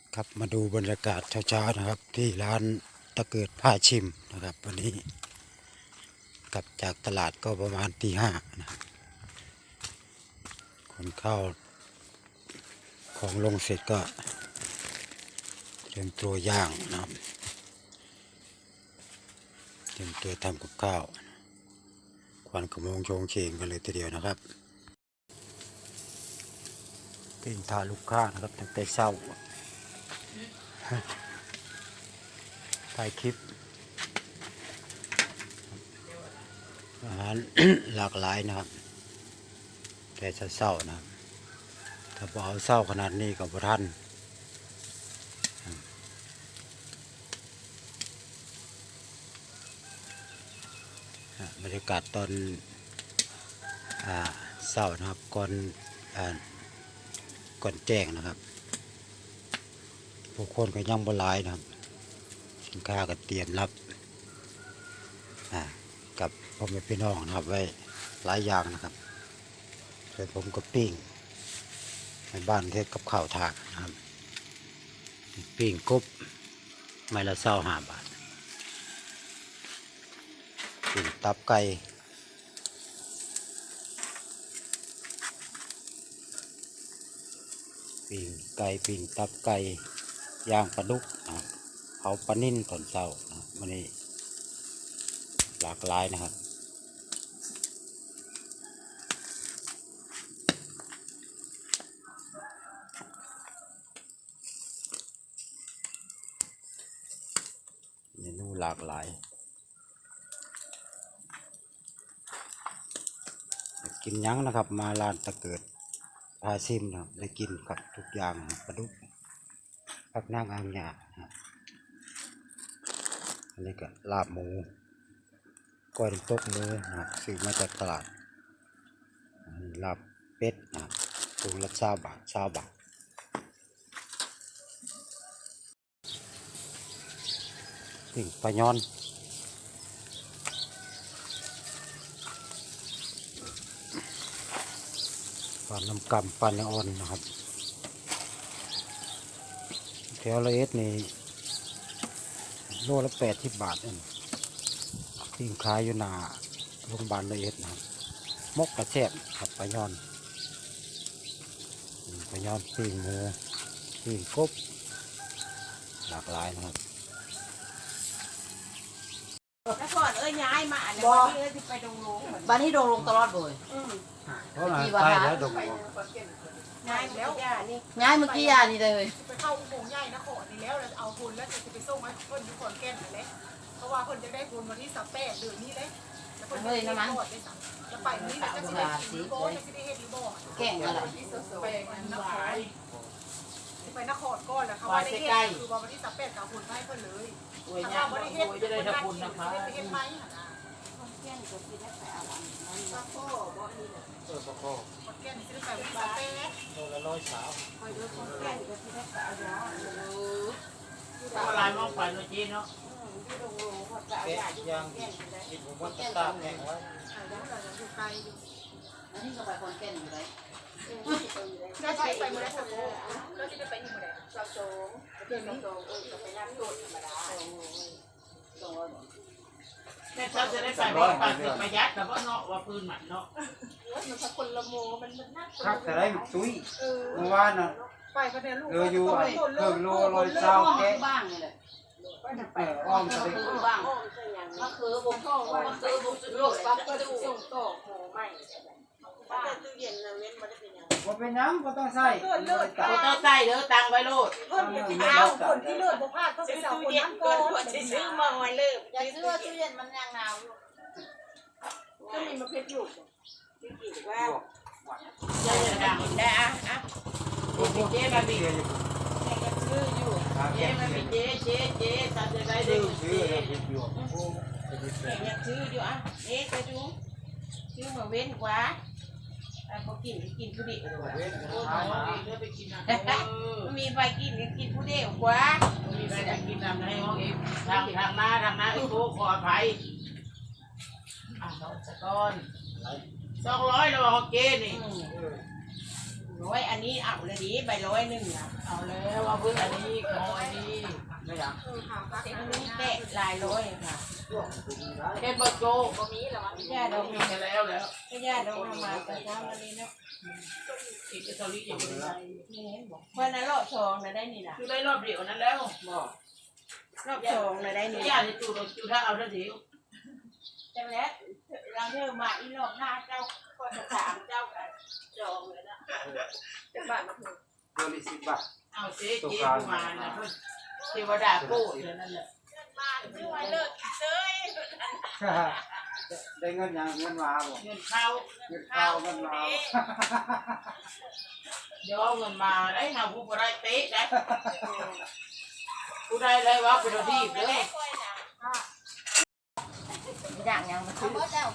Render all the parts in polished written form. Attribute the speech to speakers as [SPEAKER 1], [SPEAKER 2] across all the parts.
[SPEAKER 1] ครับมาดูบรรยากาศเช้าๆนะครับที่ร้านตะเกิดผ้าชิมนะครับวันนี้กลับจากตลาดก็ประมาณตี 5นะคนเข้าของลงเสร็จก็เตรียมตัวย่างนะครับเตรียมตัวทำกับข้าวควันขโมงโชงเชงกันเลยทีเดียวนะครับปิ้งทาลูกค้านะครับตั้งแต่เช้าถ่ายคลิปอาหาร หลากหลายนะครับแต่เศร้านะครับถ้าพอเอาเศร้าขนาดนี้กับท่านบรรยากาศตอนเศร้านะครับก่อนแจ้งนะครับผู้คนก็ยังบ่หลายนะครับสินค้าก็เตรียมรับกับพ่อแม่พี่น้องนะครับไว้หลายอย่างนะครับส่วนผมก็ปิ้งในบ้านเทศกับข้าวถาดนะครับปิ้งกบไม่ละ25 บาทปิ้งตับไก่ปิ้งไก่ปิ้งตับไก่ย่างปลาดุกนะครับเผาปลานิ่นตอนเช้านะวันนี้หลากหลายนะครับเมนูหลากหลายกินยั้งนะครับมาร้านตะเกิดพาซิมนะครับได้กินกับทุกอย่างปลาดุกผักนางอ่างหยาอันนี้ก็ลาบหมูก้อยน้ำตกหมูนะครับซื้อมาจากตลาดลาบเป็ดนะครับถุงละ20 บาทปิ้งปลาย้อนปลาน้ำกำปลาเนื้ออ่อนนะครับแถวละเอ็ดนี่โลละ80 บาทเองปิ้งขายอยู่หน้าโรงพยาบาลละเอ็ดนะครับมกกระแซบครับปลาย้อนปิ้งหมูปิ้งกบหลากหลายนะครับ
[SPEAKER 2] แล้วก่อนย้ายมาเนี่ยวันนี้ที่ไปดงลงบ้านนี้ดงลงตลอดเลย
[SPEAKER 1] เพราะอะไรใกล้แล้วดง
[SPEAKER 2] ย้ายแล้วย้ายเมื่อกี้นี่เลย
[SPEAKER 3] ไปเข้าอุโมงค์ใหญ่นครนี่แล้วเอาคนแล้วจะไปส่งให้เพิ่นที่ขอนแก่นเลยเพราะว่าเพิ่นจะได้คนวันที่18 เดือนนี้เลยแล้วเพิ่นจะได้กดได้สั่งแล้วไปนี้แล้วจะสิได้รีโบจะสิได้เฮ็ดรีโบ
[SPEAKER 2] แก่งอะไร
[SPEAKER 3] ไปนครไปนครก่อนแล้วเขาว่าได้เฮ็ดคือว่าวันที่18กับคนให้เพิ่นเลยถ้าว่าบ่ได้เฮ็ดจะได้ทำบุญนะคะไปเฮ็ดไหมหั่นน่ะ
[SPEAKER 2] แก่งก็สิได้ไปเอาอันนั้นก็บ่นี่น่ะ
[SPEAKER 3] ขอนแก่นสิได้ไปวันที่18
[SPEAKER 1] โลละ100
[SPEAKER 2] คอยดูคนแก่งก็สิได้ไปเอายา
[SPEAKER 4] อะไรมองไปเมื่อกี้เนาะ
[SPEAKER 2] ที่ดงลงพอจะเอายาอยู่แก่งได้
[SPEAKER 1] กินผมว่าตากแห้งไว้
[SPEAKER 3] แล้วเราอยู่ไกลอยู่
[SPEAKER 2] อันนี้ก็ไปคนแก่งอยู่ได้
[SPEAKER 3] ก็ใช้ไปมื้อละสักโลก็สิได้ไปอยู่มื้อใด
[SPEAKER 2] 22เดือน22ก็ไปน้ำโดดธรรมดา
[SPEAKER 4] แม่เขาจะได้ไปบอกปากถึงประหยัดแต่ว่าเนาะว่าปืนหมันเนาะ
[SPEAKER 3] มันสักคนละโมมันน่า
[SPEAKER 1] ครับแต่ได้ตุ้ยเมื่อวานน่ะ
[SPEAKER 3] ไปก็ได้ลูก
[SPEAKER 1] อยู่เพิ่งโล120แก
[SPEAKER 2] บ้างนี่แหละ
[SPEAKER 1] อ้อมจะได้
[SPEAKER 2] บ้างมะเขือบ่เข้ามะเขือบ่สุดโลกปั๊บก็ดูส่งต่อหมูใหม่บ้านตู้เย็นน่ะเว้นบ่ได้เป็นหยัง
[SPEAKER 1] บ่เป็นหยังบ่ต้องใส่
[SPEAKER 4] บ่ต้องใส่เด้อตังไว้โลด
[SPEAKER 3] เพิ่นเอาคนที่เลิศบ่พลาดก็ไปเซาคนนั้นก่อน
[SPEAKER 2] ซื้อมาไว้เลยอย่าซื้อตู้เย็นมันยังหนาวอยู่
[SPEAKER 3] ก็มีมะเขืออยู่
[SPEAKER 2] ที่กินว่า
[SPEAKER 4] จะดังได้อ่ะเจ๊มาบีเจ๊มาบีเจ๊ทำจะได้เด็กเจ๊ยังชื่ออยู่อ่ะจะดูชื่อมาเว้นกว่าเขากินผู้เดียวมีไปกินผู้เดียวกว่ามีไปกินทำให้ห้องเองทำมาอีกโอ้ขออภัยน้องสะก้อน200แล้วห้องเจนี่ร้อยอันนี้เอาเลยดิใบร้อยหนึ่งนะเอาแล้วว่าเพื่ออันนี้ขออันนี้ไม่อยากอันนี้แตะลายร้อยค่ะเห็นบดโจก็มีแล้วย่าดองมีแล้วก็ย่าดองมาแต่เช้าวันนี้เนาะอีกตอนนี้ยังไม่ได้นี่เห็นบอกวันนั้นรอบสองนะได้นี่นะคือได้รอบเดียวนั้นแล้วบอกรอบสองนะได้นี่ย่าจะจูถ้าเอาแล้วเดียวจังแล้วเราเที่ยวมาอีรอบหน้าเจ้าก็จะถามเจ้ากันจองเลยนะจะบ้านมาถึง
[SPEAKER 1] ตัวนี้10 บาท
[SPEAKER 4] เอาเจ๊ประมาณนะเทวดาโก้เดี๋ยวนั้นแหละบ้านไม่ไหวเลิกเซ้ย
[SPEAKER 1] ได้เงินยังเงินมาบ่
[SPEAKER 4] เงินเข้า
[SPEAKER 1] เงินเข้าเงินมา
[SPEAKER 4] เดี๋ยวเอาเงินมาได้หาผู้บริเตะได้ผู้ใดได้ว่าเป็นที่เด้ออยากยังมาซื้อเจ้า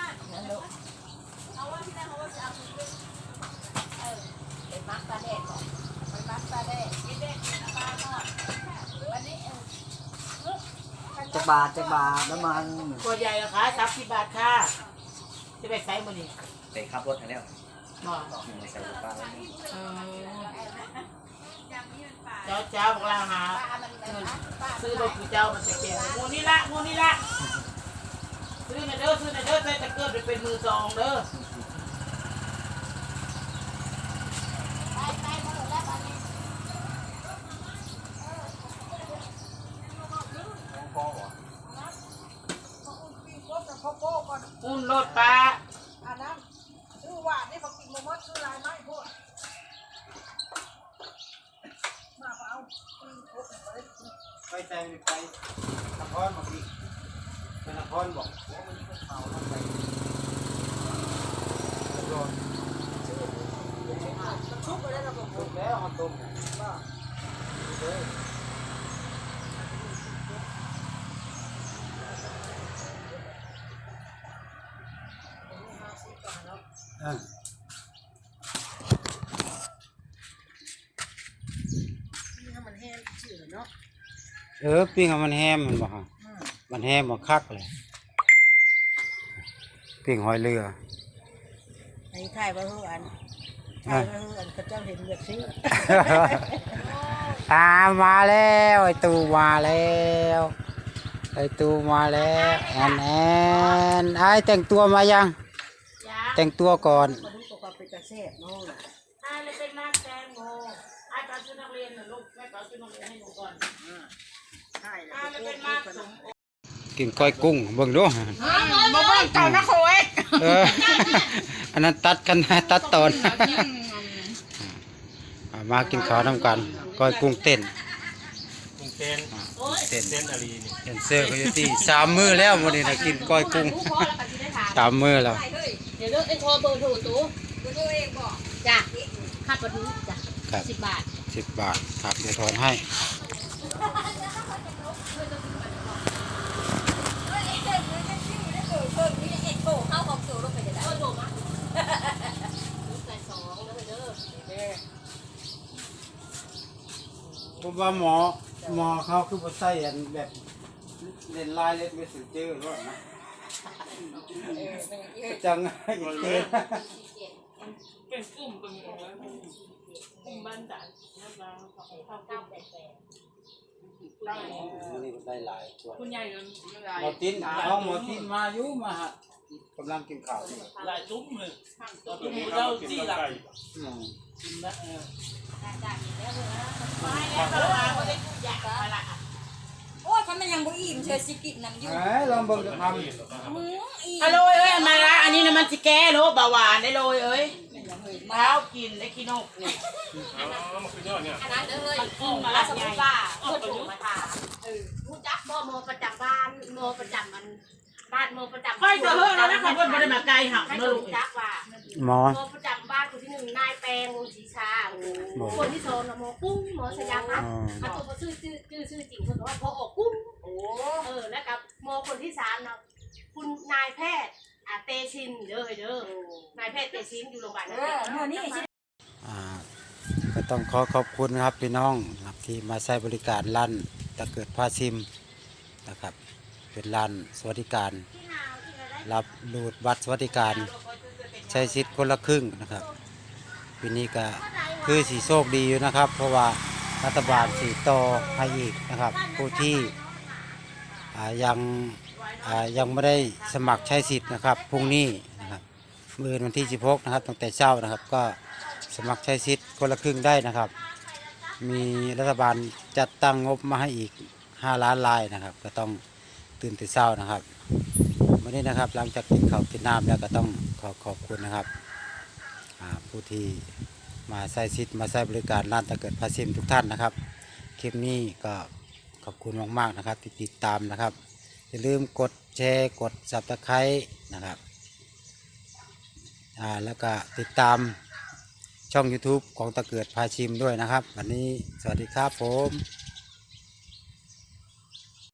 [SPEAKER 4] ไปมักปลาแดดก่อนไปมักปลาแดดกินแดดกินปลาทอดวันนี้
[SPEAKER 1] จักบาทน้ำมัน
[SPEAKER 4] ตัวใหญ่ราคา30 บาทค่ะจะไปใช้มื้อนี้
[SPEAKER 5] ไปขับรถทางแล้ว
[SPEAKER 4] บ่
[SPEAKER 5] ใส่รถป้า
[SPEAKER 4] เจ้าบอกเราหาเงินซื้อรถกูเจ้ามันจะเก่งงูนี่ละซื้อมาเด้อใส่ตะเกียบเป็นมือสองเด้ออุ่นรถปลา
[SPEAKER 3] อันนั้นชื่อว่านี่เขากินมะม่วงชื่อลายไม้พวกมาเอา
[SPEAKER 1] ไปแต่งไปนครบอกอีกไปนครบอกว่ามันเมาแล้วไปโดนชุบไปแล้วผมชุบแล้วเอาต้มว่าเลยปิ้งเอามันแฮมมันบ่ฮะมันแฮมบ่คักเลยปิ้งหอยเรือ
[SPEAKER 4] ไอ้ถ่ายว่าเฮือนเขาเจ้าเห็นแบบนี้
[SPEAKER 1] มาแล้วไอ้ตูมาแล้วไอ้ตูมาแล้วแอนไอ้แต่งตัวมายังแต่งตัวก่อน
[SPEAKER 4] มาดูตัวเป็นกระแสบโน่นไอ้เลยเป็นนักแตงโมไอ้ตอนชุดนักเรียนน่ะลูกแม่ตอนชุดนักเรียนให้หนูก่อนไอ้เลยเป็นนักสม
[SPEAKER 1] กินก้อยกุ้งเบิ่งดู
[SPEAKER 4] มาเบิ่งเต่านะโคย
[SPEAKER 1] อันนั้นตัดกันตัดตอนมากินข้าวน้ำกันก้อยกุ้งเต้น
[SPEAKER 5] กรุงเต้น
[SPEAKER 1] เต้น
[SPEAKER 5] เต้นอารีนี่
[SPEAKER 1] เต้นเสื้อเขาอยู่ที่3 มื้อแล้ววันนี้นะกินก้อยกุ้ง3 มื้อแล้ว
[SPEAKER 2] เดี๋ยวเลือกไอ้โทรเบอร์โทรตู้เบอร์โทรเองบอกจ้ะค่าประตูจ้ะ
[SPEAKER 1] ครับ
[SPEAKER 2] 10 บาท
[SPEAKER 1] 10 บาทครับเดี๋ยวทอนให้ ผมว่าหมอเขาคือบ่ใส่อันแบบเล่นลายเล่นไม่สุดเจอหรอกนะจังเจอ
[SPEAKER 4] เป็นกลุ่มเป็นบ้านจันทร์แล้วเขาเข้า988ได้
[SPEAKER 1] นี่ได้หลายตัว
[SPEAKER 4] คุณยายเงิน
[SPEAKER 1] หมอตินเอาหมอตินมาอยู่มาฮะกำลังกินข้าว
[SPEAKER 4] หลายซุ้มเลยตัวนี้เราจี้หลัก
[SPEAKER 1] อืม
[SPEAKER 4] กินแล้วไม่แล้วเราไม่ได้ทุกอย่างอะไร
[SPEAKER 2] โอ้ยเขามันยังบ่อิ่มเชิญสิกินน้ำอยู่
[SPEAKER 1] เอ้ยลองเบิ่งจะท
[SPEAKER 4] อร่อยเอ้ยมาละอันนี้นะมันสิแก้โรคเบาหวานได้เลยเอ้ยเท้ากินได้กินนกเนี่ย
[SPEAKER 5] อ๋อมันคือยอดเนี่ย
[SPEAKER 2] อันนั้นเลยแล้วสมมติว่าเพื่อนโทรมาถามรู้จักบ่โมประจำบ้านโมประจำมันบ้านโมประจำ
[SPEAKER 4] ค่อยจะเฮ้ยแล้วนะขับรถมาได้มาไกลหัก
[SPEAKER 2] ให้
[SPEAKER 4] นะลู
[SPEAKER 2] รู้
[SPEAKER 4] ก
[SPEAKER 2] จักว่า
[SPEAKER 1] ำหมอ
[SPEAKER 2] โมประจำบ้านคนที่1นายแปลงวงศรีชาคนที่2น่ะโมกุ้งโมสยามพัฒน์อ่ะตัวชื่อจริงเพิ่นว่าพอออกกุ้งแล้วกับโมคนที่3เนาะคุณนายแพทย์เตชินเด้อนายแพทย์เตชินอยู่โรงพยาบาลนั่นเอง
[SPEAKER 1] ก็ต้องขอบคุณนะครับพี่น้องนะครับที่มาใช้บริการร้านตะเกิดผ้าซิมนะครับเป็นร้านสวัสดิการรับรูดบัตรสวัสดิการใช้สิทธิ์คนละครึ่งนะครับปีนี้ก็คือสีโชคดีอยู่นะครับ เพราะว่ารัฐบาลสีต่อให้อีกนะครับ ผู้ที่ยังไม่ได้สมัครใช้สิทธิ์นะครับพรุ่งนี้นะครับมื้อวันที่16นะครับตั้งแต่เช้านะครับ ก็สมัครใช้สิทธิ์คนละครึ่งได้นะครับ มีรัฐบาลจัดตั้งงบมาให้อีก5 ล้านรายนะครับ ก็ต้องตื่นแต่เช้านะครับวันนี้นะครับหลังจากกินข้าวกินน้ำแล้วก็ต้องขอบคุณนะครับผู้ที่มาใช้สิทธิ์มาใช้บริการร้านตะเกิดพาซิมทุกท่านนะครับคลิปนี้ก็ขอบคุณมากๆนะครับที่ติดตามนะครับอย่าลืมกดแชร์กด Subscribe นะครับแล้วก็ติดตามช่อง YouTube ของตะเกิดพาชิมด้วยนะครับวันนี้สวัสดีครับผม